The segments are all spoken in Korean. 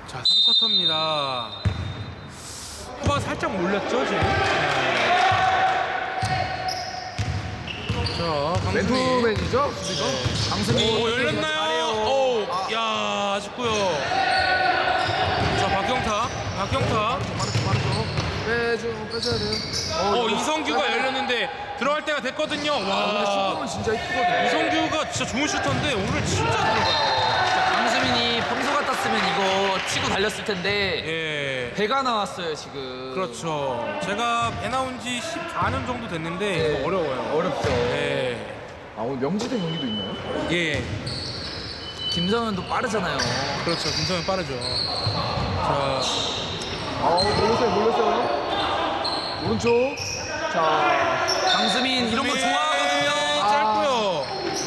자, 3쿼터입니다. 후바가 살짝 몰렸죠, 지금? 자, 강수민. 맨투맨이죠? 수비가? 강수민 오, 열렸나요? 잘해요. 오, 야, 아쉽고요. 자, 박경타. 빠르죠. 빼줘야 돼요. 이성규가 열렸는데 들어갈 때가 됐거든요. 근데 와, 슈팅은 진짜 이쁘거든요. 이성규가 진짜 좋은 슈터인데 오늘 진짜 들어가요. 강수민이 평소 같았으면 이거 치고 달렸을 텐데 예. 배가 나왔어요 지금. 그렇죠. 제가 배 나온 지 14년 정도 됐는데 이거 어려워요. 어렵죠. 예. 아, 오늘 명지대 경기도 있나요? 예. 김성현도 빠르잖아요. 그렇죠. 김성현 빠르죠. 자, 몰렸어요. 오른쪽. 자, 강수민 이런 거 좋아하거든요. 짧고요.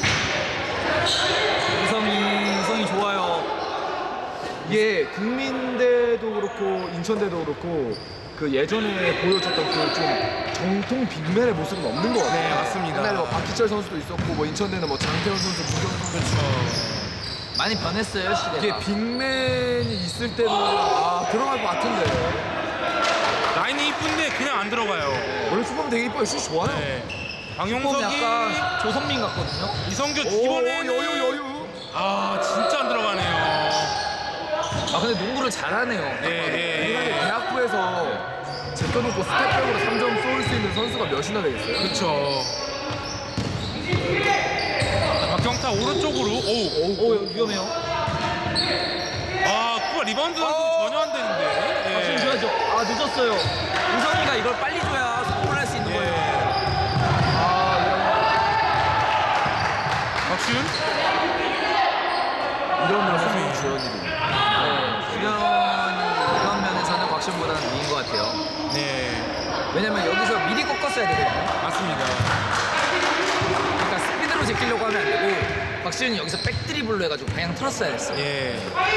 우성이 좋아요. 이게 국민대도 그렇고 인천대도 그렇고 그 예전에 보여줬던 그 좀 정통 빅맨의 모습은 없는 것 같아요. 네, 맞습니다. 옛날에 뭐 박희철 선수도 있었고 뭐 인천대는 뭐 장태현 선수, 문경현 선수. 그렇죠. 많이 변했어요 시대가. 이게 빅맨이 있을 때는 들어갈 것 같은데. 라인이 이쁜데 그냥 안 들어가요. 원래 슈퍼맨 되게 이뻐요. 슛 좋아요. 네. 조금 방용석이 약간 조성민 같거든요. 이성규 오, 이번에는 여유. 아, 진짜 안 들어가네요. 아 근데 농구를 잘하네요. 예. 대학부에서 제껴놓고 스텝백으로 3점 쏠 수 있는 선수가 몇이나 되겠어요? 그렇죠. 박경타 오른쪽으로. 오 위험해요. 아, 그거 리바운드 전혀 안 되는데. 지금 줘야죠. 늦었어요. 우성이가 이걸 빨리 줘야 성공을 할 수 있는 거예요. 박시훈. 이런 면에서 주연이. 주현이 이런 면에서는 박시훈보다는 위인 것 같아요. 네, 왜냐면 여기서 미리 꺾었어야 되거든요. 맞습니다. 그러니까 스피드로 제끼려고 하면 안 되고 박시훈이 여기서 백드리블로 해가지고 방향 틀었어야 됐어요. 예.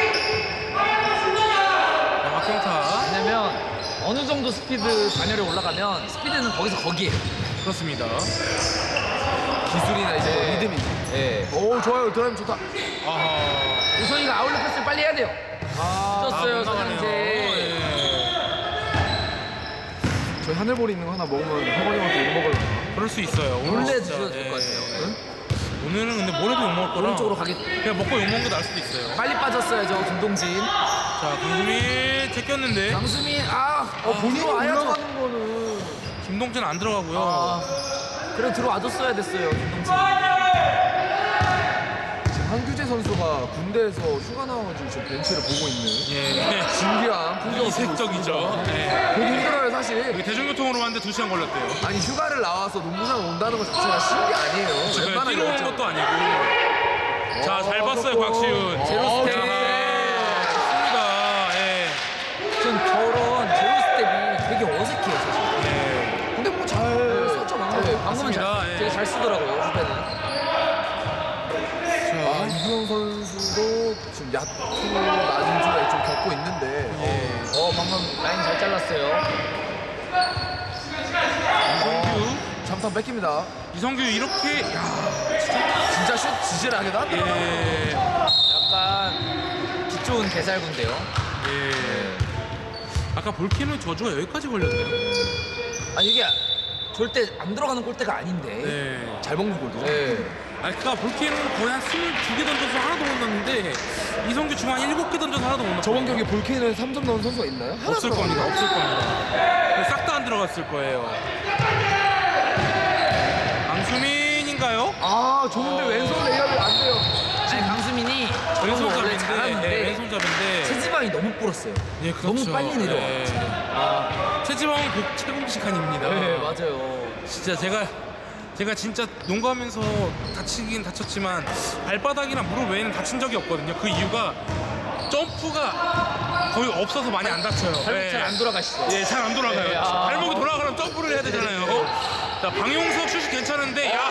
자, 박경타. 왜냐면 어느 정도 스피드 반열에 올라가면 스피드는 거기에요. 그렇습니다. 기술이나 이제 리듬이지. 예. 오, 좋아요. 드라이브 좋다. 아하. 우성이가 아울렛 패스를 빨리 해야 돼요. 늦었어요, 못 나가네요. 선영재. 예. 저희 하늘보리 있는 거 하나 먹으면 허건이한테 욕 먹으려나? 그럴 수 있어요. 오늘 원래 진짜, 드셔도 될 것 같아요. 오늘은 근데 뭐래도 욕먹을 거라. 오른쪽으로 가기 그냥 먹고 욕먹는 게 나을 수도 있어요. 빨리 빠졌어요, 김동진. 자, 김수민 제꼈는데 강수민, 본인이 들어와야죠. 올라가는 거는. 김동진 안 들어가고요. 그래 들어와줬어야 됐어요, 김동진. 지금 한규재 선수가 군대에서 휴가 나와가지고 지금 벤치를 보고 있는 예. 신기한 풍경을 이색적이죠. 보고 있습니다. 예. 보기 힘들어요, 사실. 여기 대중교통으로 왔는데 2시간 걸렸대요. 아니, 휴가를 나와서 농구장 온다는 것 자체가 신기 아니에요. 그냥 뛰러 온 열정. 것도 아니고. 자, 잘 봤어요, 박시훈. 제로 스텝. 좋습니다. 예. 전 저런 제로 스텝이 되게 어색해요, 사실. 네. 근데 뭐 잘 썼죠, 방금. 방금은 맞습니다. 예. 되게 잘 쓰더라고요, 후배는. 이수영 선수도 지금 야투 난주에 좀 겪고 있는데. 방금 라인 잘 잘랐어요. 이성규. 잠깐 뺏깁니다. 이성규 이렇게, 야, 진짜 슛 지질하게 나왔더라고요. 예. 약간 기 좋은 개살구인데요. 예. 아까 볼케노 저주가 여기까지 걸렸네요. 이게 절대 안 들어가는 골대가 아닌데. 네. 잘 먹는 골이죠. 네. 아까 볼케노는 거의 한 22개 던져서 하나도 못 넣는데 이성규 지금 한 7개 던져서 하나도 못 넣었어요. 저번 경기 볼케인에 3점 넣은 선수가 있나요? 하나 없을 겁니다. 없을 겁니다. 싹 다 안 들어갔을 거예요. 강수민인가요? 좋은데 왼손 레이업이 안 돼요. 아니, 강수민이 저런 거 원래 왼손잡인데, 잘하는데 예, 왼손잡인데. 체지방이 너무 불었어요. 예, 그렇죠. 너무 빨리 내려와. 체지방은 체공식한입니다. 네, 맞아요. 진짜 제가 진짜 농구하면서 다치긴 다쳤지만 발바닥이나 무릎 외에는 다친 적이 없거든요. 그 이유가 점프가 거의 없어서 많이 안 다쳐요. 발목 잘 안 돌아가시죠? 예, 잘 안 돌아가요. 네, 발목이 돌아가려면 점프를 해야 되잖아요. 자, 방용석 슛이 괜찮은데, 야,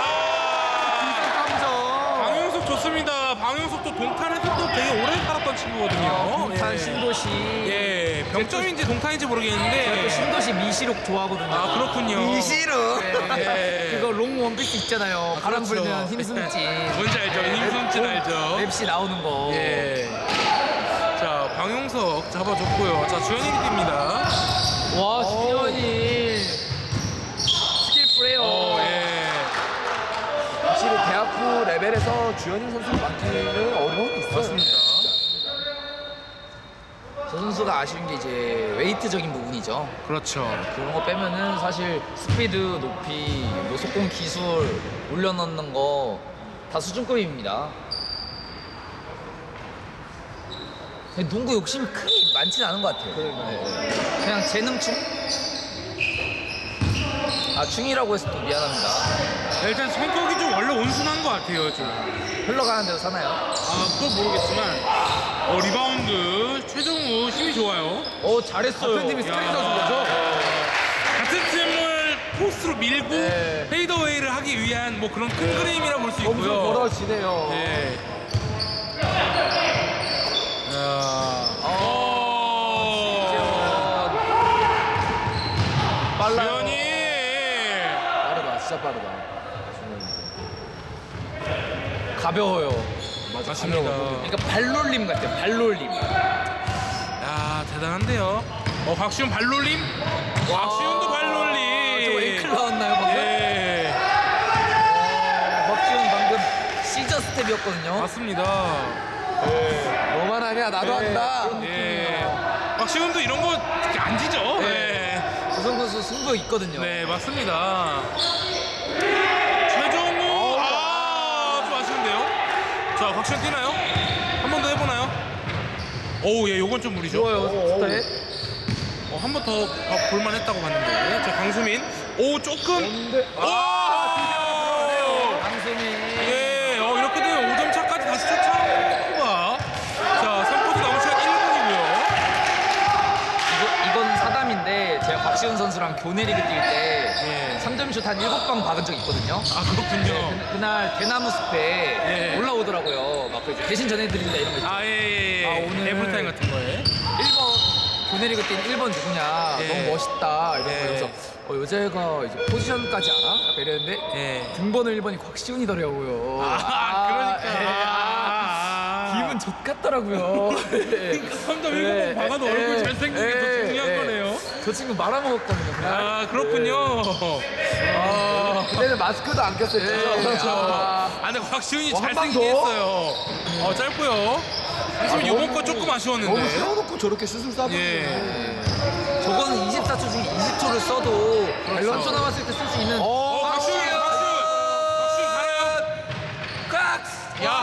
방용석 좋습니다. 방용석도 동탄에서 또 되게 오래 살았던 친구거든요. 동탄 예. 신도시. 예, 병점인지 동탄인지 모르겠는데. 또 신도시 미시록 좋아하거든요. 아, 그렇군요. 미시로. 예. 그거 롱 원피스 있잖아요. 바람 그렇죠. 불면 힘숨진. 뭔지 알죠? 힘숨진 알죠? 랩시 나오는 거. 예. 자, 왕용석 잡아줬고요. 자, 주현일이 뜁니다. 와, 주현이 스킬 플레이어. 예. 확실히 대학부 레벨에서 주현일 선수를 맡기는 어려움이 있어요. 맞습니다. 저 선수가 아쉬운 게 이제 웨이트적인 부분이죠. 그렇죠. 그런 거 빼면은 사실 스피드, 높이, 뭐 속공 기술 올려넣는 거 다 수준급입니다. 근데 농구 욕심이 크게 많지는 않은 것 같아요. 네. 그냥 재능충? 아, 충이라고 해서 또 미안합니다. 일단 성격이 좀 원래 온순한 것 같아요, 좀. 흘러가는 대로 사나요? 아, 그건 모르겠지만 리바운드 최정우 힘이 좋아요. 잘했어요. 같은 팀이 스크린 야. 선수인 거죠? 같은 팀을 포스트로 밀고 네. 페이더웨이를 하기 위한 뭐 그런 큰 그림이라 볼 수 점점 있고요. 벌어지네요. 네. 빨라요. 주현이 빠르다, 진짜 빠르다. 가벼워요. 맞습니다. 그러니까 발놀림 같아요. 발놀림. 야, 대단한데요. 곽시훈 발놀림? 곽시훈도 발놀림. 저 앵클 나왔나요 방금? 예. 박지훈 방금 시저 스텝이었거든요. 맞습니다. 너만 하냐? 나도 한다. 예. 곽시훈도 이런 거 특히 안 지죠. 네. 조성 선수 승부 있거든요. 네, 맞습니다. 최정우, 좀 아쉬운데요. 자, 곽시훈 뛰나요? 한 번 더 해보나요? 오우, 예, 요건 좀 무리죠. 좋아요. 스타일. 한 번 더 볼만했다고 봤는데. 자, 강수민. 오, 조금. 근데 와! 강수민. 예, 이렇게 되면 5점 차까지 다시 쫓아오는 쿠바. 자, 3쿼터 남은 시간 1분이고요. 이건 사담인데 제가 박시훈 선수랑 교내 리그 뛸 때 예. 3점 슛 한 7방 박은 적이 있거든요. 아, 그렇군요. 그날 대나무 숲에 예. 올라오더라고요. 막 그래서 대신 전해드린다 이런 거 있죠. 예. 아, 오늘- 에브리타임 같은 거에. 1번 교내 리그 뛴 1번 누구냐. 예. 너무 멋있다. 이런 예. 거 그래서 여자애가 이제 포지션까지 알아? 약간 이랬는데 예. 등번호 1번이 곽시훈이더라고요. 그러니까. 기분 좋 같더라고요. 3점 7번 박아도 얼굴 잘생긴 게 더 중요한 거네요. 저 친구 말아먹었거든요. 그날. 아, 그렇군요. 그때는 마스크도 안 꼈어요. 그렇죠. 근데 곽시훈이 한방 잘생기게 더? 했어요. 짧고요. 하지만 요번 거 조금 너무 아쉬웠는데. 세워놓고 저렇게 슛을 쏴버리네. 예. 저거는 24초 중에 20초를 써도 그렇죠. 11초 남았을 때 쓸 수 있는 곽시훈 가나요? 깍! 야.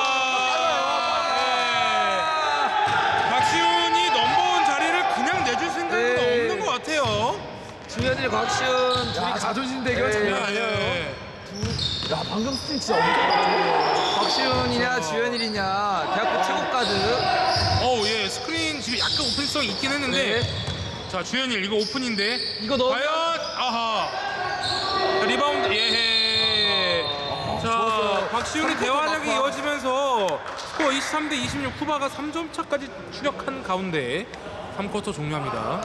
곽시훈이 넘버원 자리를 그냥 내줄 생각은 네. 없는 것 같아요. 주현일 곽시훈 둘이 야, 자존심 대결 예. 장난 야, 아니에요. 예. 야, 방금 스틸 진짜 엄청 곽시훈이냐 주현일이냐 대학교 최고 가드. 예. 스크린 지금 약간 오픈성이 있긴 했는데. 자, 주현일 이거 오픈인데. 이거 넣으면 과연 아하. 자, 리바운드 예. 자, 곽시훈의 대활약이 이어지면서 스코어 23대 26 쿠바가 3점 차까지 추격한 가운데 3쿼터 종료합니다.